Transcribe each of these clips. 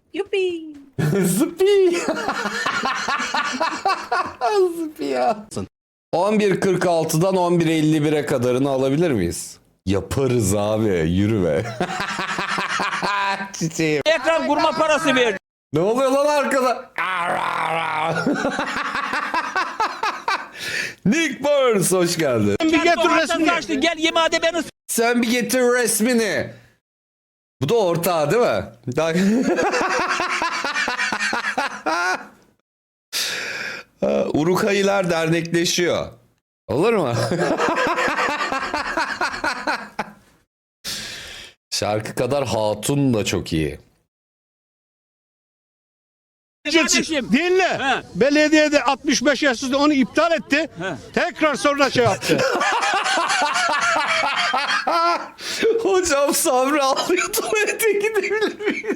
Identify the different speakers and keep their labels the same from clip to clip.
Speaker 1: Yuppie.
Speaker 2: Zıpi. Zıpi ya. 11.46'dan 11.51'e kadarını alabilir miyiz? Yaparız abi. Yürü be. Çiçeğim.
Speaker 3: Ekran kurma parası ver.
Speaker 2: Ne oluyor lan arkada? Nick Burns hoş geldin.
Speaker 3: Bir getir resmini. Açtı, gel yemeğe beni.
Speaker 2: Sen bir getir resmini. Bu da ortağı değil mi? Urukayılar dernekleşiyor. Olur mu? Şarkı kadar hatun da çok iyi.
Speaker 3: Kardeşim.
Speaker 4: Dinle.
Speaker 3: He.
Speaker 4: Belediyede 65 yaş üstü onu iptal etti.
Speaker 3: He.
Speaker 4: Tekrar sonra şey yaptı.
Speaker 2: Hocam Sabri ağlıyor, tuvalete gidebilir miyiz?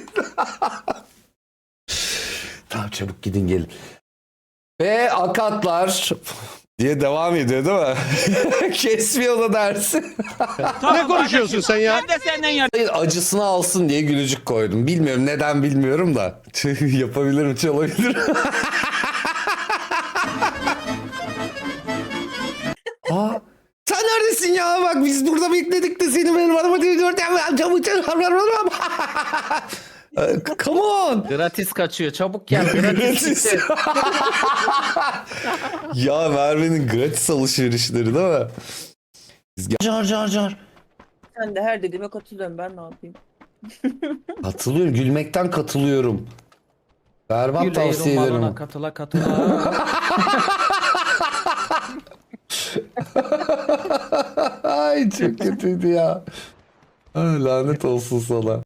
Speaker 2: Tamam çabuk gidin gelin. Ve akatlar diye devam ediyor değil mi? Kesmiyor da dersi.
Speaker 4: Ne konuşuyorsun sen ya?
Speaker 3: Ben de senden yardım.
Speaker 2: Acısını alsın diye gülücük koydum. Bilmiyorum neden bilmiyorum da. Yapabilirim, çalabilirim. Aa, sen neredesin ya? Bak biz burada bekledik de seni benim araba diyor. Come on.
Speaker 5: Gratis kaçıyor. Çabuk gel. Gratis gitti.
Speaker 2: Ya Merve'nin gratis alışverişleri değil mi? Car.
Speaker 1: Sen de her dediğime katılıyorum, ben ne yapayım?
Speaker 2: Katılıyorum. Gülmekten katılıyorum. Berbat tavsiye ederim.
Speaker 5: Balona katıla.
Speaker 2: Ay çok kötüydü ya. Ay, lanet olsun sana.